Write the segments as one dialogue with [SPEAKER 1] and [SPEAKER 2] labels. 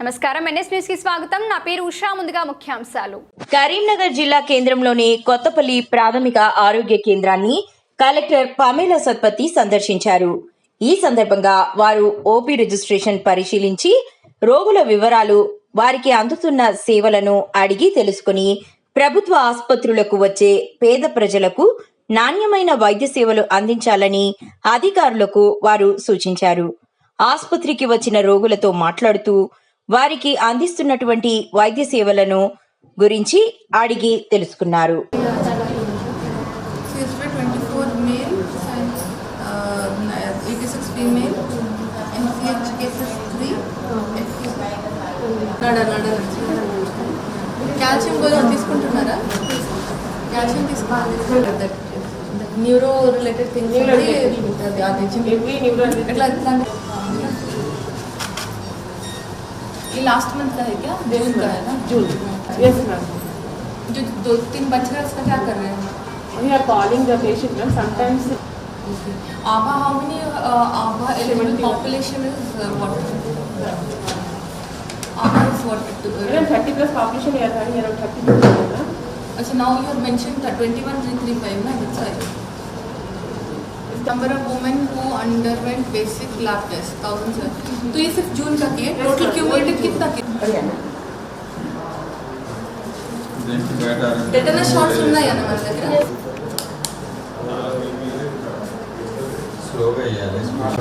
[SPEAKER 1] నమస్కారం NS news కి స్వాగతం. నా పేరు ఉషా. ముందుగా ముఖ్యాంశాలు.
[SPEAKER 2] కరీంనగర్ జిల్లా కేంద్రంలోని కొత్తపల్లి ప్రాథమిక ఆరోగ్య కేంద్రాన్ని కలెక్టర్ పమేలా సత్పతి సందర్శించారు. ఈ సందర్భంగా వారు ఓపీ రిజిస్ట్రేషన్ పరిశీలించి రోగుల వివరాలు, వారికి అందుతున్న సేవలను అడిగి తెలుసుకుని ప్రభుత్వ ఆసుపత్రులకు వచ్చే పేద ప్రజలకు నాణ్యమైన వైద్య సేవలు అందించాలని అధికారులకు వారు సూచించారు. ఆసుపత్రికి వచ్చిన రోగులతో మాట్లాడుతూ వారికి అందిస్తున్నటువంటి వైద్య సేవలను గురించి అడిగి తెలుసుకున్నారు.
[SPEAKER 3] కాల్షియం గోళీలు తీసుకుంటున్నారా? కాల్షియం తీసుకోవాలి. న్యూరో రిలేటెడ్ థింగ్స్ ये लास्ट मंथ का है क्या? जून का है ना?
[SPEAKER 4] जून. Yes ma'am.
[SPEAKER 3] जो 2-3 बच रहा है उसका क्या कर रहे हैं?
[SPEAKER 4] We are calling the patient ma'am. Sometimes.
[SPEAKER 3] Aba, how many Aba eligible population is what? Aba is what?
[SPEAKER 4] Around 30 plus population we are having around 30 people.
[SPEAKER 3] So now you have mentioned 21,335 na? That's why. Number of women who underwent basic lab test 1000. तो ये सिर्फ जून का किए, total cumulative कितना किया? Tetanus shots ఉన్నాయా నా మన దగ్గర?
[SPEAKER 5] స్లోగా చేయాలి.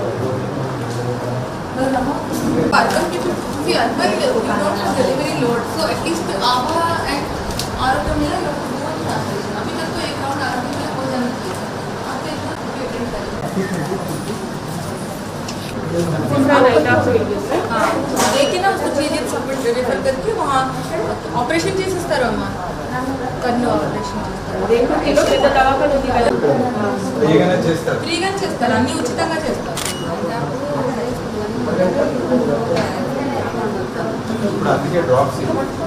[SPEAKER 3] Pardon कि urban you don't have delivery load, so at least आभा and आरोग्य मिला लोग बहुत चाहते हैं. अभी तक तो एक राउंड आरोग्य मिला हो जाना चाहिए. आपके इतना लेकिन उसको चीजें सपोर्ट रेफर करके वहाँ ऑपरेशन చేసిస్తారు అమ్మా. కన్ను ఆపరేషన్ ఫ్రీగా చేస్తారు, అన్ని ఉచితంగా చేస్తారు.
[SPEAKER 5] ఇప్పుడు అందుకే డ్రాప్స్